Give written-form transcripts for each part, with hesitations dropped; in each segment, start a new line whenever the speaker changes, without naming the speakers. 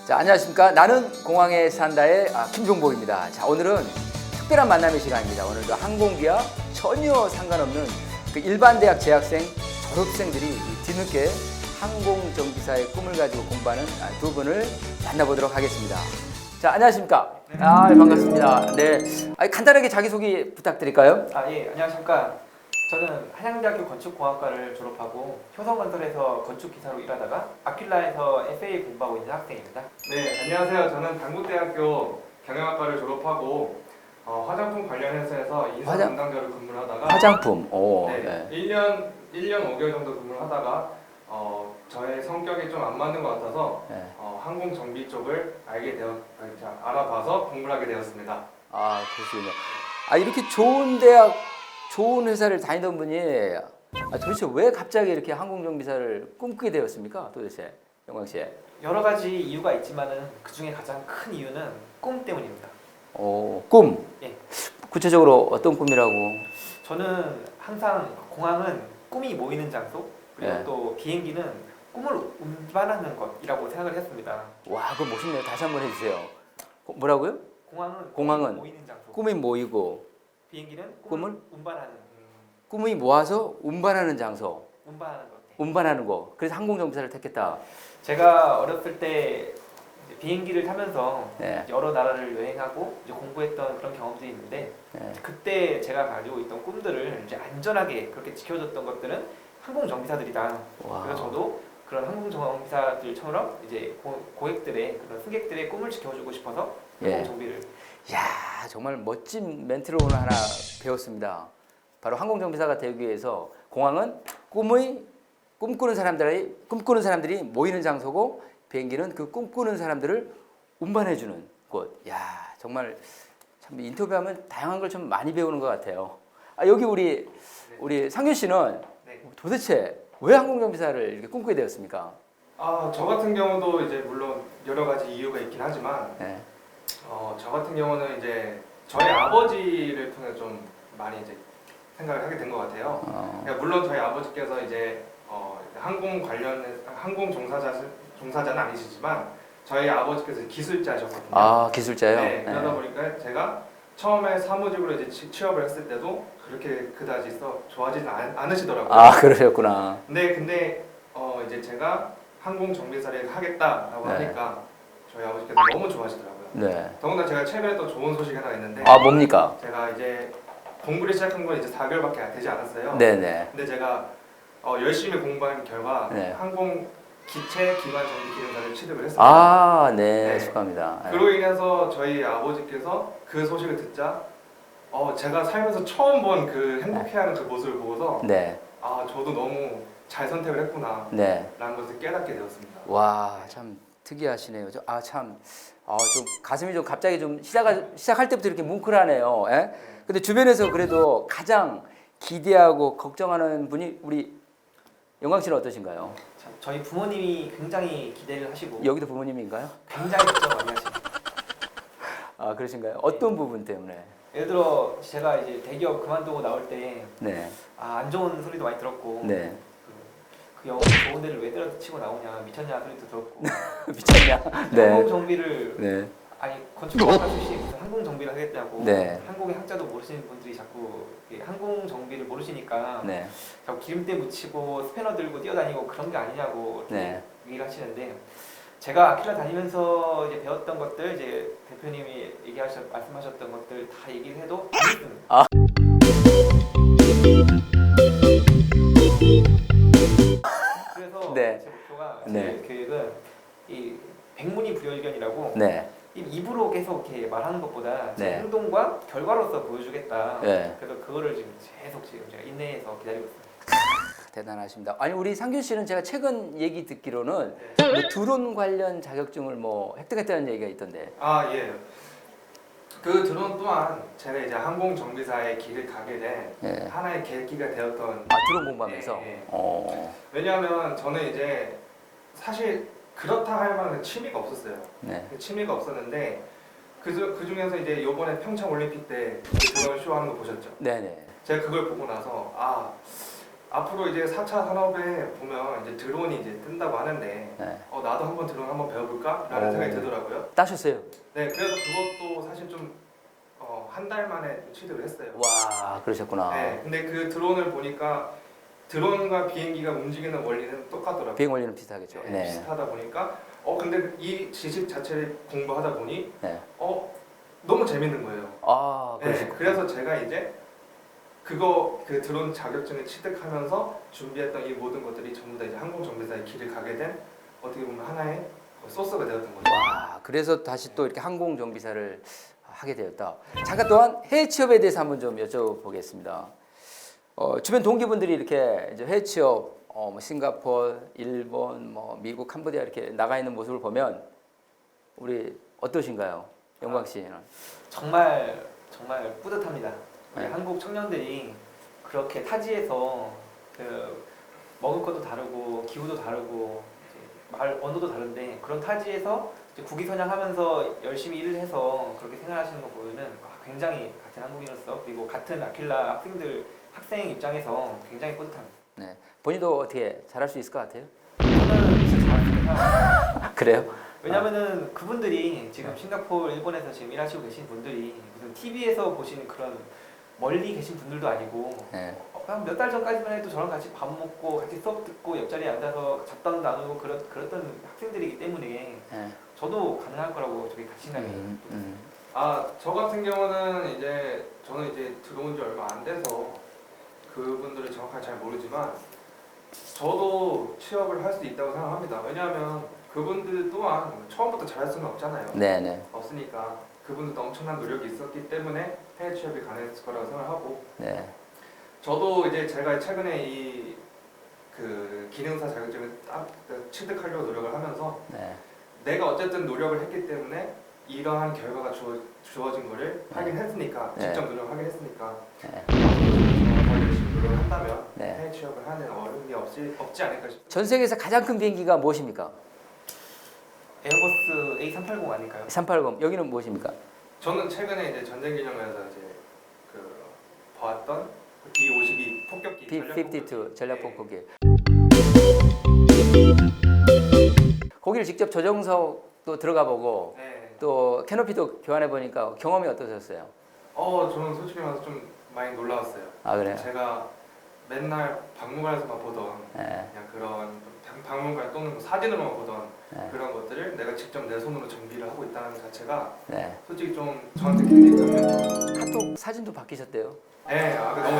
자, 안녕하십니까. 나는 공항에 산다의 김종복입니다. 자, 오늘은 특별한 만남의 시간입니다. 오늘도 항공기와 전혀 상관없는 그 일반 대학 재학생, 졸업생들이 뒤늦게 항공정비사의 꿈을 가지고 공부하는 두 분을 만나보도록 하겠습니다. 자, 안녕하십니까. 반갑습니다. 네. 간단하게 자기소개 부탁드릴까요?
예, 안녕하십니까. 저는 한양대학교 건축공학과를 졸업하고 효성건설에서 건축기사로 일하다가 아킬라에서 FA 공부하고 있는 학생입니다.
네, 안녕하세요. 저는 당구대학교 경영학과를 졸업하고 화장품 관련 회사에서 인사 담당자로 근무를 하다가
화장품.
네. 1년 5개월 정도 근무를 하다가 저의 성격이 좀 안 맞는 것 같아서
네.
항공 정비 쪽을 알아봐서 공부를 하게 되었습니다.
그러시군요. 이렇게 좋은 대학, 좋은 회사를 다니던 분이 도대체 왜 갑자기 이렇게 항공정비사를 꿈꾸게 되었습니까? 도대체 영광 씨.
여러 가지 이유가 있지만은 그 중에 가장 큰 이유는 꿈 때문입니다.
꿈.
예.
구체적으로 어떤 꿈이라고?
저는 항상 공항은 꿈이 모이는 장소, 그리고
네.
또 비행기는 꿈을 운반하는 것이라고 생각을 했습니다.
와, 그거 멋있네요. 다시 한번 해주세요. 뭐라고요?
공항은
공항은
모이는 장소,
꿈이 모이고
비행기는
꿈을
꿈을 운반하는
꿈이 모아서 운반하는 장소,
운반하는 것.
운반하는 거. 그래서 항공정비사를 택했다.
제가 어렸을 때 이제 비행기를 타면서
네.
여러 나라를 여행하고 이제 공부했던 그런 경험들이 있는데
네.
그때 제가 가지고 있던 꿈들을 이제 안전하게 그렇게 지켜줬던 것들은 항공정비사들이다.
와.
그래서 저도 그런 항공정비사들처럼 이제 고객들의 그런 승객들의 꿈을 지켜주고 싶어서
예.
항공정비를.
야, 정말 멋진 멘트를 오늘 하나 배웠습니다. 바로 항공정비사가 되기 위해서 공항은 꿈꾸는 사람들이 모이는 장소고 비행기는 그 꿈꾸는 사람들을 운반해주는 곳. 야, 정말 참 인터뷰하면 다양한 걸 좀 많이 배우는 것 같아요. 여기 우리 상균 씨는
네.
도대체 왜 항공정비사를 이렇게 꿈꾸게 되었습니까?
저 같은 경우도 이제 물론 여러 가지 이유가 있긴 하지만
네.
저 같은 경우는 이제 저희 아버지를 통해 좀 많이 이제 생각을 하게 된 것 같아요. 그러니까 물론 저희 아버지께서 이제 항공 종사자는 아니시지만 저희 아버지께서 기술자셨거든요.
기술자요?
네, 그러다 보니까 제가 처음에 사무직으로 이제 취업을 했을 때도 그렇게 그다지 좋아하지는 않으시더라고요.
그러셨구나.
근데 이제 제가 항공 정비사를 하겠다라고
네.
하니까 저희 아버지께서 너무 좋아하시더라고요.
네.
더군다나 제가 최근에 또 좋은 소식이 하나 있는데
뭡니까?
제가 이제 공부를 시작한 건 이제 4개월밖에 되지 않았어요.
네네.
근데 제가 열심히 공부한 결과
네.
항공 기체 기관 정비 기능사를 취득을 했습니다.
네,
네.
축하합니다.
그로 인해서 저희 아버지께서 그 소식을 듣자 제가 살면서 처음 본 그 행복해하는 그 모습을 보고서
네,
저도 너무 잘 선택을 했구나
네.
라는 것을 깨닫게 되었습니다.
와, 참 특이하시네요. 좀 가슴이 좀 갑자기 좀 시작할 때부터 이렇게 뭉클하네요. 예? 근데 주변에서 그래도 가장 기대하고 걱정하는 분이 우리 영광 씨는 어떠신가요?
저희 부모님이 굉장히 기대를 하시고
여기도 부모님인가요?
굉장히 걱정 많이 하시고.
그러신가요? 어떤 부분 때문에?
예를 들어 제가 이제 대기업 그만두고 나올 때
네,
안 좋은 소리도 많이 들었고
네.
그 영어 좋은 데를 왜 때려치고 나오냐 미쳤냐 소리도 들었고
미쳤냐? 네,
항공 정비를
네,
건축학과 출신이 무슨 항공 정비를 하겠다고
네.
한국의 학자도 모르시는 분들이 자꾸 항공 정비를 모르시니까
네,
자꾸 기름때 묻히고 스패너 들고 뛰어다니고 그런 게 아니냐고
네.
얘기를 하시는데 제가 아킬라 다니면서 이제 배웠던 것들 이제 대표님이 말씀하셨던 것들 다 얘기를 해도 안 믿습니다. 그래서
네.
제 목표가
네.
제 계획은 이 백문이 불여일견이라고
네,
입으로 계속 이렇게 말하는 것보다 제
네.
행동과 결과로서 보여주겠다.
네.
그래서 그거를 지금 계속 제가 인내해서 기다리고 있습니다.
대단하십니다. 우리 상균 씨는 제가 최근 얘기 듣기로는 드론 관련 자격증을 획득했다는 얘기가 있던데.
예. 그 드론 또한 제가 이제 항공 정비사의 길을 가게 된
네.
하나의 계기가 되었던.
드론 공부하면서.
예.
어.
왜냐하면 저는 이제 사실 그렇다 할 만한 취미가 없었어요.
네.
그 취미가 없었는데 그 중에서 이제 이번에 평창 올림픽 때 드론 쇼 하는 거 보셨죠?
네네.
제가 그걸 보고 나서 앞으로 이제 4차 산업에 보면 이제 드론이 이제 뜬다고 하는데
네.
나도 한번 드론 한번 배워볼까라는 생각이 들더라고요.
따셨어요?
네, 그래서 그것도 사실 좀 한 달 만에 취득을 했어요.
와, 그러셨구나.
네, 근데 그 드론을 보니까 드론과 비행기가 움직이는 원리는 똑같더라고요.
비행 원리는 비슷하겠죠.
네,
네.
비슷하다 보니까 근데 이 지식 자체를 공부하다 보니
네.
너무 재밌는 거예요.
아,
네,
그러시구나.
그래서 제가 이제 그 드론 자격증을 취득하면서 준비했던 이 모든 것들이 전부 다 이제 항공정비사의 길을 가게 된 어떻게 보면 하나의 소스가 되었던 거죠.
와, 그래서 다시 또 이렇게 항공정비사를 하게 되었다. 잠깐 또한 해외 취업에 대해서 한번 좀 여쭤보겠습니다. 주변 동기분들이 이렇게 이제 해외 취업, 뭐 싱가포르, 일본, 뭐 미국, 캄보디아 이렇게 나가 있는 모습을 보면 우리 어떠신가요, 영광 씨는?
정말 정말 뿌듯합니다. 우리
네.
한국 청년들이 그렇게 타지에서 먹을 것도 다르고 기후도 다르고 이제 말 언어도 다른데 그런 타지에서 이제 국위선양하면서 열심히 일을 해서 그렇게 생활하시는 거 보면은 굉장히 같은 한국인으로서 그리고 같은 아킬라 학생 입장에서 굉장히 뿌듯합니다.
네. 본인도 어떻게 잘할 수 있을 것 같아요?
저는 진짜 잘합니다.
그래요?
왜냐면은 그분들이 지금 싱가포르, 일본에서 지금 일하시고 계신 분들이 무슨 TV에서 보시는 그런 멀리 계신 분들도 아니고
네.
그냥 몇 달 전까지만 해도 저랑 같이 밥 먹고 같이 수업 듣고 옆자리에 앉아서 잡담 나누고 그랬던 학생들이기 때문에
네.
저도 가능할 거라고 저기 자신감이
저 같은 경우는 저는 이제 들어온 지 얼마 안 돼서 그분들을 정확하게 잘 모르지만 저도 취업을 할 수 있다고 생각합니다. 왜냐하면 그분들 또한 처음부터 잘할 수는 없잖아요.
네네.
없으니까 그분들도 엄청난 노력이 있었기 때문에 해외 취업이 가능했을 거라고 생각하고
네.
저도 이제 제가 최근에 그 기능사 자격증을 딱 취득하려고 노력을 하면서
네.
내가 어쨌든 노력을 했기 때문에 이러한 결과가 주어진 거를
네.
하긴 했으니까
네.
직접 노력하긴 했으니까
네.
더 열심히 노력을 한다면
네.
해외 취업을 하는 어려움이 없지 않을까 싶습니다.
전 세계에서 가장 큰 비행기가 무엇입니까?
에어버스 A380 아닐까요?
380. 여기는 무엇입니까?
저는 최근에 이제 전쟁 기념회에서 봤던 B-52 폭격기
B-52 전략 폭격기. 거기를 직접 조정석도 들어가 보고
네.
또 캐노피도 교환해 보니까 경험이 어떠셨어요?
저는 솔직히 말해서 좀 많이 놀라웠어요.
아 그래요?
제가 맨날 박물관에서만 보던
네.
그냥 그런 박물관 또는 사진으로만 보던
네.
그런 것들을 내가 직접 내 손으로 정비를 하고 있다는 자체가
네.
솔직히 좀 저한테 굉장히 감명.
카톡 사진도 바뀌셨대요.
네,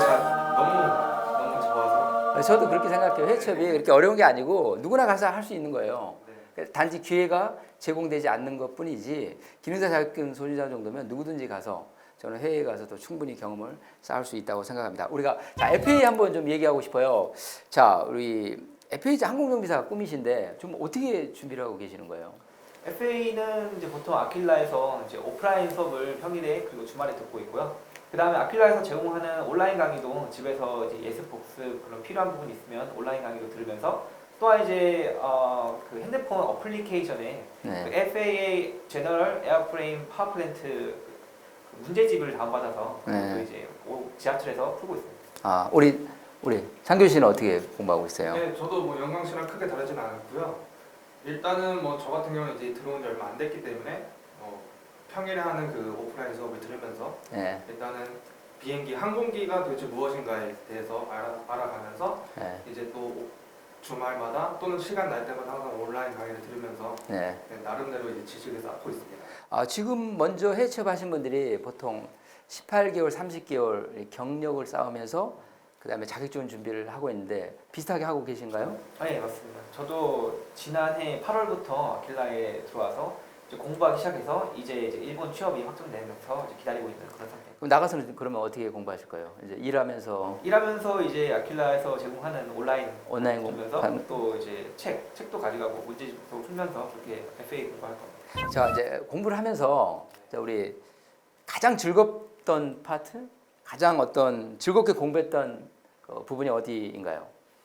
너무 좋아서.
저도 그렇게 생각해요. 해외 취업이 그렇게 어려운 게 아니고 누구나 가서 할 수 있는 거예요.
네.
단지 기회가 제공되지 않는 것뿐이지 기능사 자격증 소유자 정도면 누구든지 가서 저는 해외에 가서도 충분히 경험을 쌓을 수 있다고 생각합니다. 우리가 FA 한번 좀 얘기하고 싶어요. 자, 우리 FA 항공정비사가 꿈이신데 좀 어떻게 준비를 하고 계시는 거예요?
FA는 이제 보통 아킬라에서 이제 오프라인 수업을 평일에 그리고 주말에 듣고 있고요. 그 다음에 아킬라에서 제공하는 온라인 강의도 집에서 이제 예습 복습 그런 필요한 부분이 있으면 온라인 강의도 들으면서 또한 이제 그 핸드폰 어플리케이션에
네.
그 FAA 제너럴 에어프레임 파워플랜트 문제집을 다운받아서
네.
또 이제 지하철에서 풀고 있습니다.
아, 우리 장교 씨는 어떻게 공부하고 있어요?
네, 저도 뭐 영광 씨랑 크게 다르진 않았고요. 일단은 뭐 저 같은 경우는 이제 들어온 지 얼마 안 됐기 때문에 평일에 하는 그 오프라인 수업을 들으면서
네.
일단은 비행기 항공기가 도대체 무엇인가에 대해서 알아가면서
네.
이제 또 주말마다 또는 시간 날 때마다 항상 온라인 강의를 들으면서
네.
나름대로 이제 지식을 쌓고 있습니다.
지금 먼저 해외 취업하신 분들이 보통 18개월, 30개월 경력을 쌓으면서 그다음에 자격증 준비를 하고 있는데 비슷하게 하고 계신가요?
네, 맞습니다. 저도 지난해 8월부터 아킬라에 들어와서 이제 공부하기 시작해서 이제 일본 취업이 확정되면서 이제 기다리고 있는 그런 상태.
그럼 나가서는 그러면 어떻게 공부하실 거예요? 이제 일하면서
일하면서 이제 아킬라에서 제공하는 온라인
공부하면서
들으면서 또 이제 책도 가져가고 문제집도 풀면서 그렇게 FA 공부할 겁니다.
자 이제 공부를 하면서 자, 우리 가장 즐겁던 파트, 가장 어떤 즐겁게 공부했던 그 부분이 어디인가요?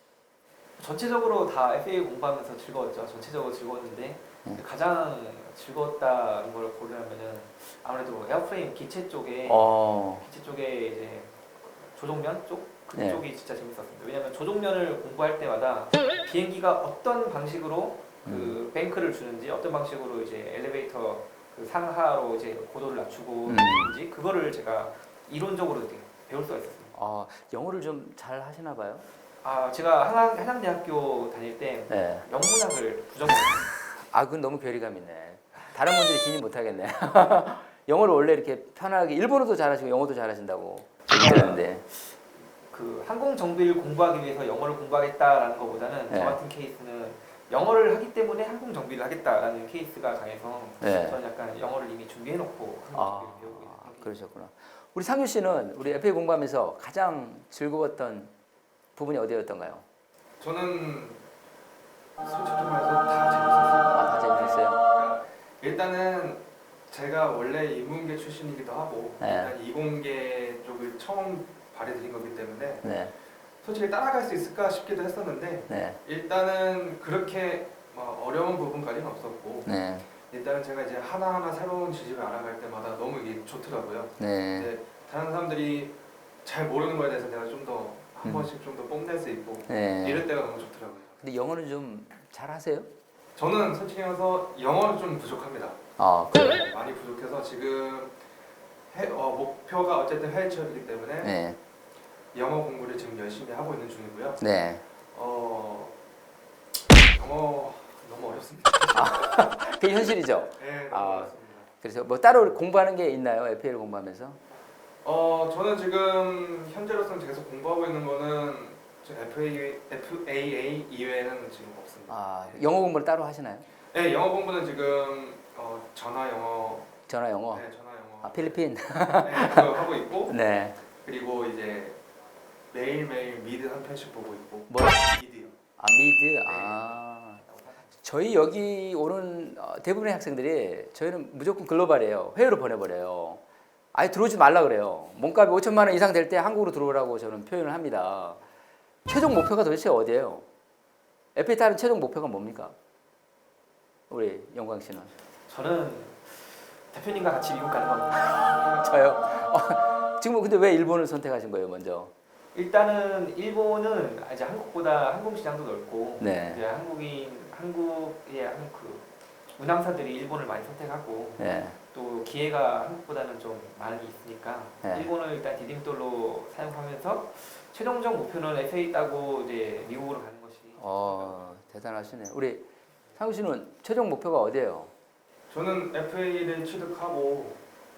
전체적으로 다 FA 공부하면서 즐거웠죠. 전체적으로 즐거웠는데 가장 즐거웠다는 걸 고르려면은 아무래도 에어프레임 기체 쪽에 이제 조종면 쪽
네.
그쪽이 진짜 재밌었습니다. 왜냐하면 조종면을 공부할 때마다 비행기가 어떤 방식으로 그 뱅크를 주는지, 어떤 방식으로 이제 엘리베이터 그 상하로 이제 고도를 낮추고 있는지 그거를 제가 이론적으로 이렇게 배울 수가 있었습니다.
영어를 좀 잘 하시나 봐요.
제가 한양대학교 다닐 때
네.
영문학을 부전공했어요.
그건 너무 괴리감 있네. 다른 분들이 진입 못하겠네. 영어를 원래 이렇게 편하게 일본어도 잘하시고 영어도 잘하신다고 얘기했는데.
그 항공 정비를 공부하기 위해서 영어를 공부하겠다라는 것보다는
네.
저 같은 케이스는 영어를 하기 때문에 항공 정비를 하겠다라는 케이스가 강해서
네.
저는 약간 영어를 이미 준비해놓고 항공 정비를 배우고 있는
그러셨구나. 우리 상규 씨는 우리 FA 공부하면서 가장 즐거웠던 부분이 어디였던가요?
저는 솔직히 말해서 다 재밌었어요.
다 재밌었어요.
그러니까 일단은 제가 원래 인문계 출신이기도 하고
네.
일단 이공계 쪽을 처음 발휘드린 거기 때문에
네,
솔직히 따라갈 수 있을까 싶기도 했었는데
네,
일단은 그렇게 어려운 부분까지는 없었고
네,
일단은 제가 이제 하나하나 새로운 지식을 알아갈 때마다 너무 이게 좋더라고요.
네.
이제 다른 사람들이 잘 모르는 거에 대해서 내가 좀 더 한 번씩 좀 더 뽐낼 수 있고
네.
이럴 때가 너무 좋더라고요.
근데 영어는 좀 잘하세요?
저는 솔직히 말해서 영어는 좀 부족합니다.
그래요?
많이 부족해서 지금 목표가 어쨌든 해외 취업이기 때문에
네,
영어 공부를 지금 열심히 하고 있는 중이고요.
네.
영어 너무 어렵습니다.
그게 현실이죠.
네, 너무 어렵습니다.
그래서 뭐 따로 공부하는 게 있나요? FA를 공부하면서?
저는 지금 현재로서는 계속 공부하고 있는 거는 FAA 이외에는 지금 없습니다.
영어 공부를 따로 하시나요?
네, 영어 공부는 지금 전화 영어,
전화 영어.
네, 전화 영어,
필리핀.
네, 그거 하고 있고
네.
그리고 이제 매일매일 미드 한 편씩 보고 있고.
뭐요?
미드요.
미드. 저희 여기 오는 대부분의 학생들이 저희는 무조건 글로벌이에요. 해외로 보내버려요. 아예 들어오지 말라 그래요. 몸값이 5천만 원 이상 될 때 한국으로 들어오라고 저는 표현을 합니다. 최종 목표가 도대체 어디예요? FA 따른 최종 목표가 뭡니까? 우리 영광 씨는?
저는 대표님과 같이 미국 가는 겁니다.
저요? 지금 근데 왜 일본을 선택하신 거예요, 먼저?
일단은 일본은 이제 한국보다 항공 시장도 넓고
네.
이제 한국의 그 운항사들이 일본을 많이 선택하고
네.
또 기회가 한국보다는 좀 많이 있으니까
네.
일본을 일단 디딤돌로 사용하면서 최종적 목표는 FA 따고 이제 미국으로 가는 것이.
대단하시네. 우리 상우 씨는 최종 목표가 어디예요?
저는 FA를 취득하고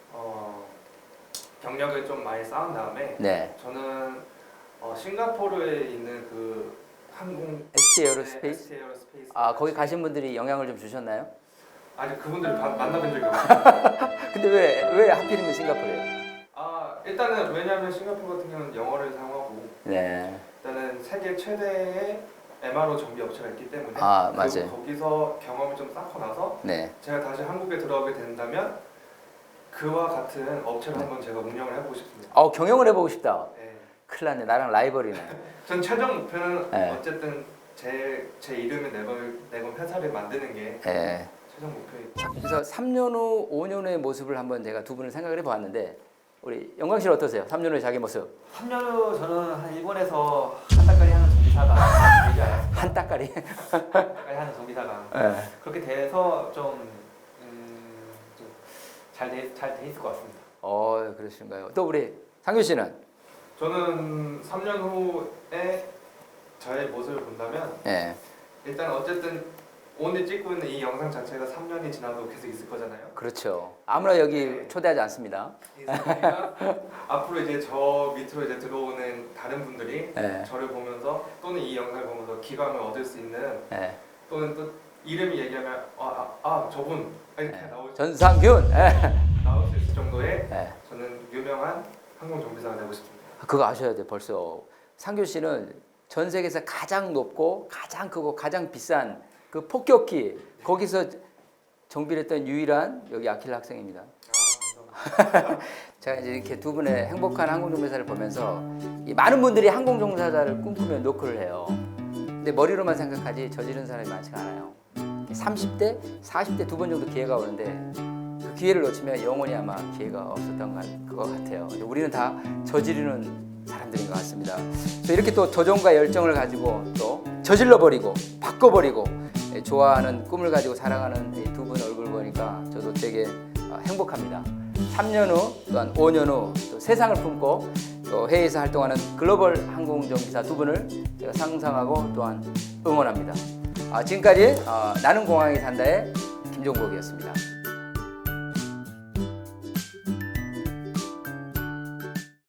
경력을 좀 많이 쌓은 다음에
네.
저는 싱가포르에 있는 그 항공
ST 에어로스페이스?
ST 에어로스페이스.
거기 가신 분들이 영향을 좀 주셨나요?
아직 그분들 만나본 적이 없어요.
근데 왜 하필이면 싱가포르예요?
일단은 왜냐하면 싱가포르 같은 경우는 영어를 사용하고
네.
일단은 세계 최대의 MRO 정비 업체가 있기 때문에
맞아요.
거기서 경험을 좀 쌓고 나서
네.
제가 다시 한국에 들어오게 된다면 그와 같은 업체를 한번 제가 운영을 해보고 싶습니다.
경영을 해보고 싶다.
네.
큰일 났네. 나랑 라이벌이네.
전 최종 목표는
네.
어쨌든 제 이름을 내건 회사를 만드는 게
네.
최종 목표입니다.
그래서 3년 후, 5년 후의 모습을 한번 제가 두 분을 생각을 해보았는데 우리 영광 씨는 어떠세요? 3년 후의 자기 모습.
3년 후 저는 한 일본에서 한 달까지 하는 정비사가 되지 않았을까.
한 따까리.
한 달까지 하는 정비사가
네.
그렇게 돼서 잘 돼 있을 것 같습니다.
그러신가요? 또 우리 상규 씨는?
저는 3년 후에 저의 모습을 본다면
네.
일단 어쨌든 오늘 찍고 있는 이 영상 자체가 3년이 지나도 계속 있을 거잖아요.
그렇죠. 아무나 여기
네.
초대하지 않습니다.
그러니까 앞으로 이제 저 밑으로 이제 들어오는 다른 분들이
네.
저를 보면서 또는 이 영상을 보면서 기감을 얻을 수 있는
네.
또는 또 이름이 얘기하면 저분 이렇게 나올
전상균.
나올 수 있을 정도의
네.
저는 유명한 항공 정비사가 되고 싶습니다.
그거 아셔야 돼요. 벌써 상규 씨는 전 세계에서 가장 높고 가장 크고 가장 비싼 그 폭격기 거기서 정비를 했던 유일한 여기 아킬라 학생입니다.
감사합니다.
제가 이제 이렇게 두 분의 행복한 항공정비사를 보면서 이 많은 분들이 항공정사자를 꿈꾸며 노크를 해요. 근데 머리로만 생각하지 저지른 사람이 많지가 않아요. 30대, 40대 두 번 정도 기회가 오는데 그 기회를 놓치면 영원히 아마 기회가 없었던 것 같아요. 근데 우리는 다 저지르는 사람들인 것 같습니다. 또 이렇게 또 도전과 열정을 가지고 또 저질러 버리고 바꿔버리고 좋아하는 꿈을 가지고 살아가는 이 두 분 얼굴 보니까 저도 되게 행복합니다. 3년 후 또한 5년 후 또 세상을 품고 또 해외에서 활동하는 글로벌 항공운전기사 두 분을 제가 상상하고 또한 응원합니다. 지금까지 나는 공항에 산다의 김종복이었습니다.